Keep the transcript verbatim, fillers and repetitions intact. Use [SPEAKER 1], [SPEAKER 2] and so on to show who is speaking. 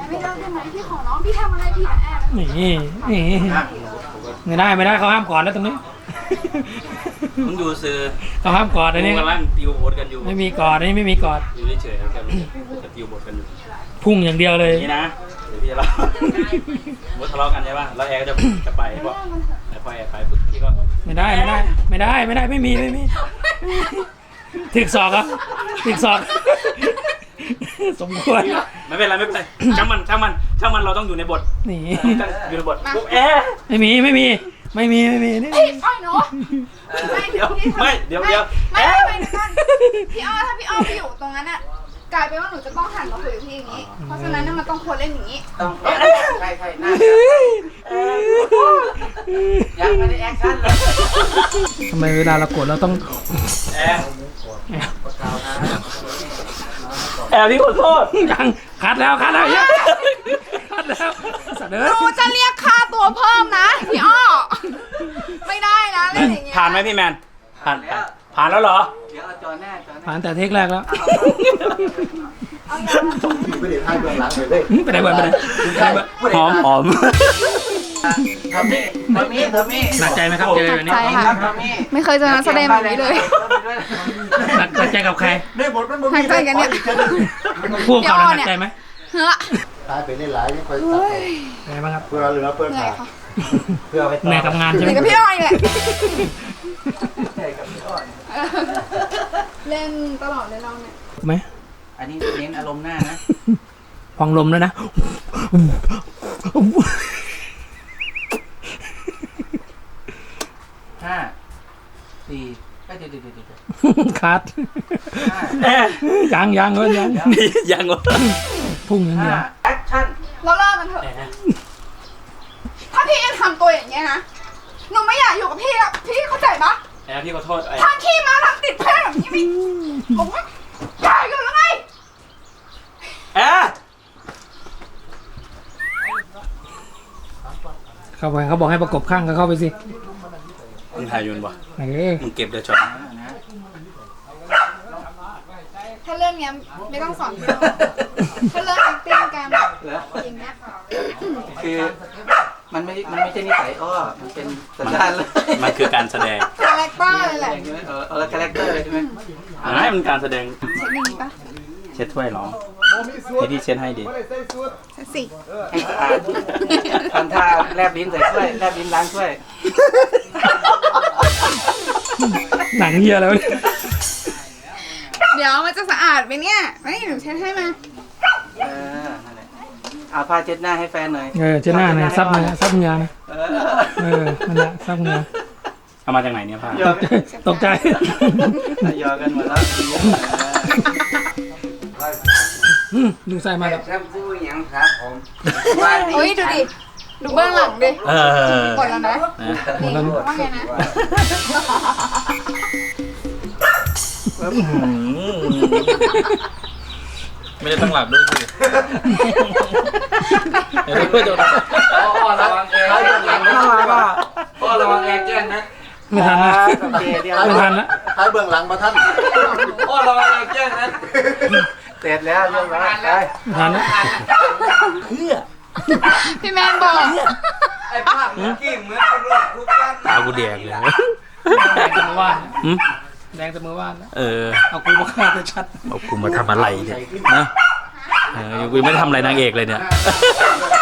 [SPEAKER 1] ไม่ได้ได้ไหมพี่ขอน้องพี่ทำอะไรผิดอะแอบ
[SPEAKER 2] นี่นี่ไม่ได้ไม่ได้เขาห้ามกอดแล้วตรงนี้
[SPEAKER 3] มึงดูซื้อ
[SPEAKER 2] เขาห้ามกอดอันนี้
[SPEAKER 3] กำลังติวบทกันอยู่
[SPEAKER 2] ไม่มีกอดอันนี้ไม่มีกอด
[SPEAKER 3] อยู่เฉยๆแล้วกันจะติวบทกันอยู่
[SPEAKER 2] พุ่งอย่างเดียวเลย
[SPEAKER 3] นี่นะเดี๋ยวพี่จะเล่าบททะเลาะกันใช่ป่ะแล้วแอร์ก็จะจะไปเพราะแต่พอแอร์ไปปุ๊บพี่ก็
[SPEAKER 2] ไม่ได้ไม่ได้ไม่ได้ไม่ได้ไม่มีไม่มีถึกศอกครับถึกศอกสมควร
[SPEAKER 3] ไม่เป็นไรไม่เป็นไรช่างมันช่างมันช่างมันเราต้องอยู่ในบท
[SPEAKER 2] นี่
[SPEAKER 3] อยู่ในบทปุ๊บแอร์
[SPEAKER 2] ไม่มีไม่มีไม่มีไม่มีนี่
[SPEAKER 1] พี่อ้อยหนูไม่
[SPEAKER 3] เดี๋ยว
[SPEAKER 1] พี่
[SPEAKER 3] ไม่เดี๋ยวเดี๋ยว
[SPEAKER 1] ไม่
[SPEAKER 3] แอ
[SPEAKER 1] ไม่
[SPEAKER 3] ร์
[SPEAKER 1] ไม่พี่อ้อถ้าพี่อ้อไปอยู่ตรงนั้นอะกลายเป็นว่าหนูจะต้องหันมาคุยกับพี่อย่างนี้เพราะฉะนั้นมันต้องควรเล่นอย่างนี้
[SPEAKER 4] ต้องใช่ใช่หน้ายังไม่ได้แอคชั่นเลย
[SPEAKER 2] ทำไมเวลาเราโกรธเราต้อง
[SPEAKER 3] แอร์แอร์พี่ขอโทษ
[SPEAKER 2] ยังคัดแล้วคัดแล้วยังคัดแล้วสัตว์เอ้
[SPEAKER 1] หนู
[SPEAKER 2] ย
[SPEAKER 1] จะเรียกค่าตัวเพิ่มนะพี่อ้อไม่ได้นะเล่นอย่างเงี้ย
[SPEAKER 3] ผ่านไหมพี่แมนผ่านผ่านแล้วเหรอ
[SPEAKER 4] เดี๋ยวเอาจอแน่จอแน่
[SPEAKER 2] ผ่านแต่เทคแรกแล้ว
[SPEAKER 1] เอาอย่างนั้น
[SPEAKER 5] ไม่ได้ให้เบื้องหลังเลยเด้
[SPEAKER 2] ไปไหนบ่อยไปไหน
[SPEAKER 3] หอมหอม
[SPEAKER 4] ทำนี่ทำนี่ทำนี่
[SPEAKER 2] หนักใจไหมครับเจอแบบนี้
[SPEAKER 1] ใช่ค่ะ
[SPEAKER 4] ทำนี่
[SPEAKER 1] ไม่เคยเจอนักแสดงแบบนี้เลย
[SPEAKER 2] หนักหนักใจกับใคร
[SPEAKER 5] ได้บทมันบ่
[SPEAKER 1] หนักใจกันเนี่ย
[SPEAKER 2] พวกเขาหนักใจไหม
[SPEAKER 1] เฮ้อ
[SPEAKER 5] ตายไปเล่นหลายยังค่อยตัด
[SPEAKER 2] เป็นไงบ้างครับ
[SPEAKER 5] เพื่อเหลือเพื่อ
[SPEAKER 1] เหนื่อ
[SPEAKER 5] ขาย ด
[SPEAKER 1] ค่ะ
[SPEAKER 4] เพื่อไป
[SPEAKER 2] เหนื่อยกับงาน
[SPEAKER 1] เห
[SPEAKER 2] ใช่ไหม
[SPEAKER 1] นื่อยกับพี่อ้อยแหละ
[SPEAKER 4] ใช่กับพี่อ้อน
[SPEAKER 1] เล่นตลอดเลยเราเนี่ย
[SPEAKER 2] ไหม
[SPEAKER 4] อันนี้เน้นอารมณ์หน้านะ
[SPEAKER 2] พองลมแล้วนะ
[SPEAKER 4] ห้าสี่เอ้ยเดี๋ยวเดี๋ยวเดี๋ยวเดี๋ยว
[SPEAKER 2] คัด
[SPEAKER 4] ห้า
[SPEAKER 3] แอร์
[SPEAKER 2] ยังยังเว้ยยัง
[SPEAKER 3] นี่ยังวะ
[SPEAKER 2] พุ่งอย่างเดี
[SPEAKER 4] ห้า
[SPEAKER 2] ยว
[SPEAKER 4] แอคชั่น
[SPEAKER 1] เราเลิกกันเถอะ ถ้าพี่ยังทำตัวอย่างเงี้ยนะ หนูไม่อยากอยู่กับพี่แล้วพี่เข้าใจปะ
[SPEAKER 3] แอร์พี่ขอโทษไอ้
[SPEAKER 1] ทางขี้มาทางติดเพื่อนแบบนี้ไม่ผมว่าอยากอยู่แล้วไง
[SPEAKER 3] แอร์
[SPEAKER 2] เข้าไปเขาบอกให้ประกบข้างก็เข้าไปสิ
[SPEAKER 3] มึงถ่ายอยืนบ่
[SPEAKER 2] เออ
[SPEAKER 3] มึงเก็บเดี๋ยวช็อต
[SPEAKER 1] ถ้าเรื่องเนี้ยไม่ต้องสอนพี่ถ้าเรื่อง acting การ
[SPEAKER 4] เหรอ
[SPEAKER 1] อย่างเงี้ย
[SPEAKER 4] คือมันไม่ มันไม่ใช่นิสัยอ้อมันเป็นสัญชาติเลย
[SPEAKER 3] มันคือการแสดง
[SPEAKER 1] คาแรคเตอร์เลยแหละ
[SPEAKER 4] ใช่ไหมเออเออคาแรคเตอร์เลยใช่ไหม
[SPEAKER 3] อันนั้นมันการแสดง
[SPEAKER 1] เช็คอย่างนี้ปะ
[SPEAKER 3] เช็ดถ้วยเหรอให้ที่เช็ดให้ดิ
[SPEAKER 1] เช็คสิ
[SPEAKER 4] ให้สะอาดทำท่าแลบลิ้นใส่ถ้วยแลบลิ้นล้างถ้วย
[SPEAKER 2] หนังเฮียแล้วเนี่ย
[SPEAKER 1] เดี๋ยวมันจะสะอาดไหมเนี่ยไม่หนูเช็ดให้มา
[SPEAKER 4] เออ นั่นแหละเอาผ้าเช็ดหน้าให้แฟนหน่อย
[SPEAKER 2] เออเจ้าหน้าเนี่ยซับเนื้อซับเนื้อนะ
[SPEAKER 4] เอ
[SPEAKER 2] เออนั่นแหละซับเนื้อ
[SPEAKER 3] เอามาจากไหนเนี่ยผ้า
[SPEAKER 4] หยอก
[SPEAKER 2] ตกใจ
[SPEAKER 4] หยอกกันหมดแล้ว
[SPEAKER 2] อืมดูใส่มาแล้ว
[SPEAKER 4] แชมพูยังครับผม
[SPEAKER 1] เฮ้ยดูดิ ดูเบื้องหลังดิ
[SPEAKER 3] เออ
[SPEAKER 1] หมดแล้วนะ
[SPEAKER 3] นะ
[SPEAKER 2] หมดแล้วนะ
[SPEAKER 1] ว่าไงนะ
[SPEAKER 3] ไม่ได้ตั้งหลักด้วยสิเดี๋ยวเพื่อนโดน
[SPEAKER 4] พ่อระวังแกพ่อระวังแกแกล้งนะ
[SPEAKER 2] ไม่ทันนะ
[SPEAKER 4] โอเคเดี๋ยว
[SPEAKER 2] ไม่ทันนะ
[SPEAKER 5] ให้เบื้องหลังมาท่าน
[SPEAKER 4] พ่อระวังแกแกล้งนะเสร็จแล้วเรื่องแล้วไป
[SPEAKER 2] ไม่ทันนะ
[SPEAKER 1] พี่แมนบอก
[SPEAKER 4] ไอ้ภาพเมื่อกี้เหมือนกับลูกทุกท่าน
[SPEAKER 3] ตากูแดกเลย
[SPEAKER 2] แดงแต่เมื่อวาน
[SPEAKER 3] หืม
[SPEAKER 2] แดงแต่เมื่อวานนะ
[SPEAKER 3] เออ
[SPEAKER 2] เอากูมาฆ่าจะชัด
[SPEAKER 3] เอากูมาทำอะไรเนี่ยนะเออกูไม่ได้ทำอะไรนางเอกเลยเนี่ย